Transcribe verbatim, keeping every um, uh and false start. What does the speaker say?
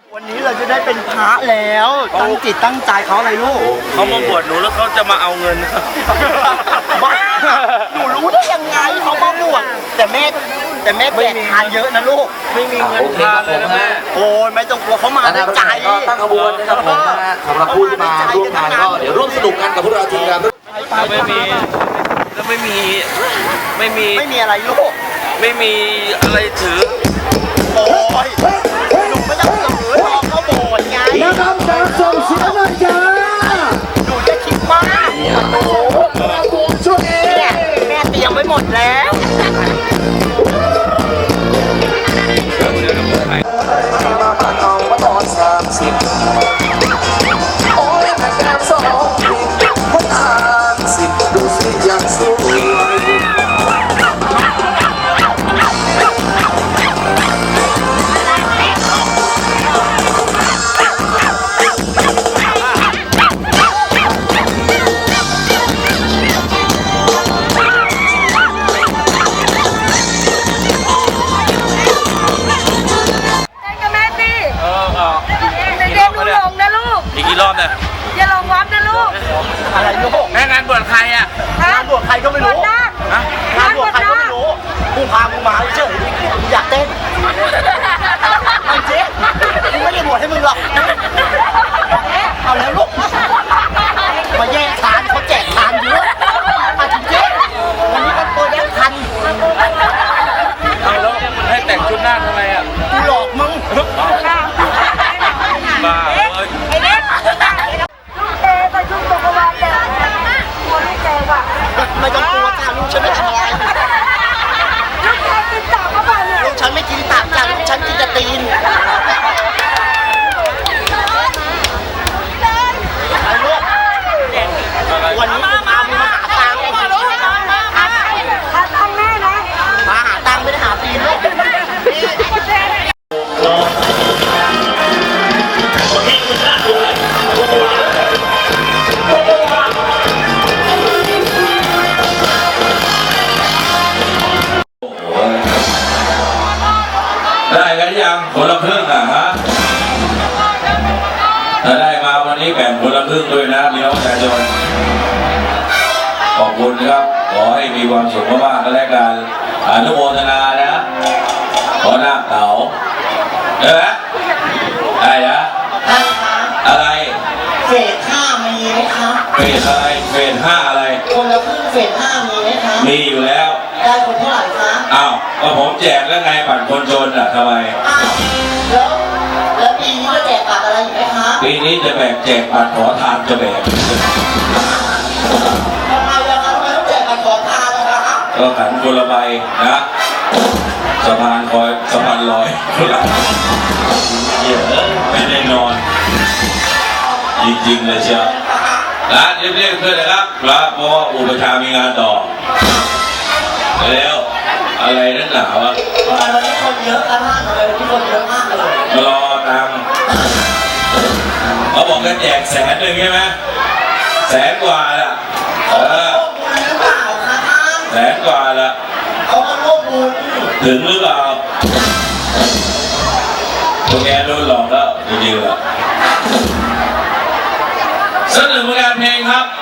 วันนี้เราจะได้เป็นพระแล้วตั้งจิตตั้งใจเขาอะไรลูกเขามาบวชหนูแล้วเขาจะมาเอาเงินบ้าหนูรู้ได้ยังไงเขามาบวชแต่แม่แต่แม่แจกทานเยอะนะลูกไม่มีเงินทานเลยนะแม่โอ้ยไม่ต้องกลัวเขามาด้วยใจก็ตั้งขบวนนะครับผมนะฮะสำหรับผู้ที่มาร่วมงานก็เดี๋ยวร่วมสนุกกันกับพวกเราทีมงานแล้วไม่มีแล้วไม่มีไม่มีไม่มีอะไรลูกไม่มีอะไรถือโอ้ยหนูไม่ต้องถือรอเขาโบสถ์ไงนะครับการส่งเสียงหน่อยจ้าหนูจะคิดมากโอ้โหช่วยเนี่ยแม่เตรียมไว้หมดแล้วมาปากเอามาตอนสามสิบโอ้ยแม่แก้มสองผิดคนอ่านสิบดูสิยังสวยอีกกี่รอบเนี่ยอย่าลงวัดนะลูกอะไรลูกแม่งานบวชใครอ่ะงานบวชใครก็ไม่รู้งานบวชใครก็ไม่รู้กูพามึงมาเฉยอยากเต้นเอาเจ๊กูไม่ได้บวชให้มึงหรอกเอาแล้วลูกมาแย่งทานเขาแจกทานเยอะมาจริงเจ๊วันนี้มันตัวแย่งทันเอาแล้วให้แต่งชุดหน้าทำไมอ่ะกูหลอกมึงบ้าเลยไอ้เล็กลูกเตะไปชุบตกวานแต่หัวลูกเตะว่ะไม่ต้องกลัวจ้าลูกฉันไม่ทำอะไรลูกเตะกินตับเข้าไปเลยลูกฉันไม่กินตับจ้าลูกฉันกินแต่ตีนไอ้ลูกวันนี้กูพามึงมาหาตังค์หาตังค์แม่นะมาหาตังค์ไม่ได้หาตีนลูกได้กันยังคนละครึ่งอ่ะฮะถ้าได้มาวันนี้แบ่งคนละครึ่งด้วยนะพี่น้องประชาชนขอบคุณครับขอให้มีความสุขมากๆก็แล้วกันอนุโมทนานะขอหน้าเต๋าได้ไหมได้นะอะไรเฟสห้ามีไหมครับเฟสอะไรเฟสห้าอะไรคนละครึ่งเฟสห้ามีไหมครับมีอยู่แล้วได้คนเท่าไหร่คะอ้าวก็ผมแจกแล้วไงบัตรคนจนอ่ะทำไมอ้าวแล้วแล้วปีนี้จะแจกบัตรอะไรอีกไหมคะปีนี้จะแบกแจกบัตรขอทานจะแบกทำไมล่ะคะทำไมต้องแจกบัตรขอทานล่ะคะก็ขันคนละใบนะสะพานคอยสะพานลอยคนละเยอะไม่ได้นอนจริงๆเลยเชียวร้านเรียบๆเพื่อนนะครับเพราะว่าอุปชามีงานต่อแล้วอะไรนั่นหนาวะทำไมวันนี้คนเยอะกันมากเลยวันนี้คนเยอะมากเลยรอตามเขาบอกกันแจกแสนหนึ่งใช่ไหมแสนกว่าละเออหรือเปล่าคะแสนกว่าละเขามาร่วมบุญถึงหรือเปล่าตัวแกโดนหลอกแล้วจริงๆละสักหนึ่งผลงานเพลงครับ